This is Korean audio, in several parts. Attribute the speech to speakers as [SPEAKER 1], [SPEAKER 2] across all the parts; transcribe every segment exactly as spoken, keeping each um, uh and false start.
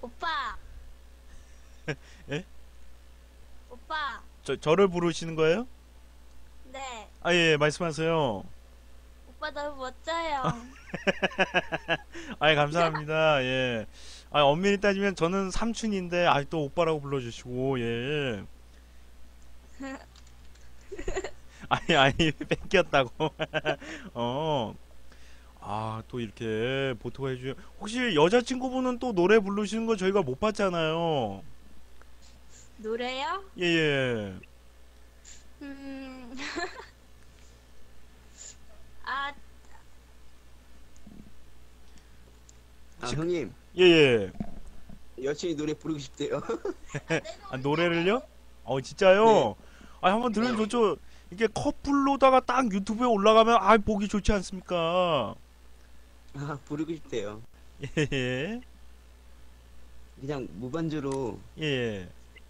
[SPEAKER 1] 오빠,
[SPEAKER 2] 예?
[SPEAKER 1] 오빠.
[SPEAKER 2] 저, 저를 부르시는 거예요?
[SPEAKER 1] 네,
[SPEAKER 2] 아, 예, 예, 말씀하세요.
[SPEAKER 1] 오빠 너무 멋져요.
[SPEAKER 2] 아, 예, 감사합니다. 예. 아, 엄밀히 따지면 저는 삼촌인데, 아, 또 오빠라고 불러주시고, 예. 아니, 아니, 뺏겼다고. 어. 아, 또 이렇게 보토가 해주요. 혹시 여자친구분은 또 노래 부르시는 거 저희가 못 봤잖아요.
[SPEAKER 1] 노래요?
[SPEAKER 2] 예, 예.
[SPEAKER 1] 음, 아,
[SPEAKER 3] 아, 형님,
[SPEAKER 2] 예, 예.
[SPEAKER 3] 여친이 노래 부르고 싶대요.
[SPEAKER 2] 아, 노래를요? 어,
[SPEAKER 3] 네.
[SPEAKER 2] 진짜요? 아, 한번 들으면 좋죠. 이게 커플로다가 딱 유튜브에 올라가면, 아, 보기 좋지 않습니까?
[SPEAKER 3] 아, 부르고 싶대요.
[SPEAKER 2] 예, 예.
[SPEAKER 3] 그냥 무반주로
[SPEAKER 2] 예.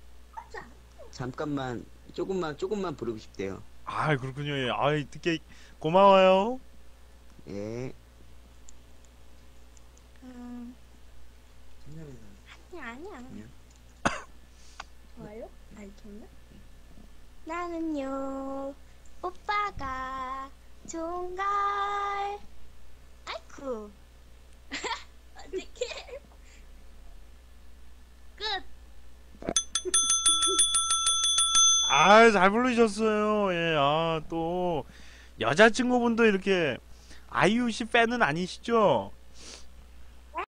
[SPEAKER 3] 잠깐만, 조금만, 조금만 부르고 싶대요.
[SPEAKER 2] 아, 그렇군요. 예. 아, 듣게 고마워요.
[SPEAKER 3] 예.
[SPEAKER 1] 음, 아니야, 아니야.
[SPEAKER 3] 아니야?
[SPEAKER 1] 좋아요? 안 좋나? 나는요, 오빠가 좋은걸. 아이쿠. 어떡해. 끝.
[SPEAKER 2] 아, 잘 부르셨어요. 예, 아, 또, 여자친구분도 이렇게, 아이유 씨 팬은 아니시죠?